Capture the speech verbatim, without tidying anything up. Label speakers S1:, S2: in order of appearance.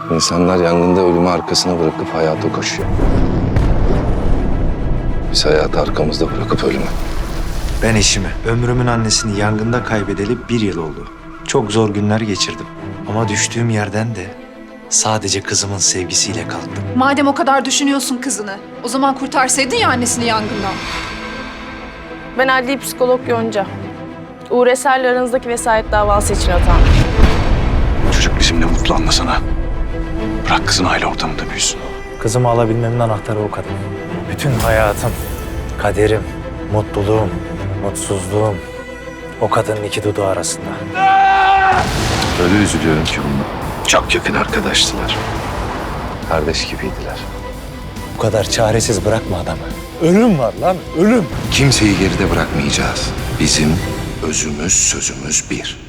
S1: İnsanlar yangında ölümü arkasına bırakıp hayata koşuyor. Biz hayatı arkamızda bırakıp ölüme.
S2: Ben eşimi, ömrümün annesini yangında kaybedeli bir yıl oldu. Çok zor günler geçirdim. Ama düştüğüm yerden de sadece kızımın sevgisiyle kalktım.
S3: Madem o kadar düşünüyorsun kızını, o zaman kurtarsaydın ya annesini yangından.
S4: Ben adli psikolog Yonca. Uğur Eser'le aranızdaki vesayet davası için atandım.
S5: Çocuk bizimle mutlu anlasana. Bırak kızın aile ortamında büyüsün.
S2: Kızımı alabilmemin anahtarı o kadın. Bütün hayatım, kaderim, mutluluğum, mutsuzluğum o kadının iki dudağı arasında.
S1: Öyle üzülüyorum ki bundan. Çok yakın arkadaştılar. Kardeş gibiydiler.
S2: Bu kadar çaresiz bırakma adamı. Ölüm var lan, ölüm.
S5: Kimseyi geride bırakmayacağız. Bizim özümüz sözümüz bir.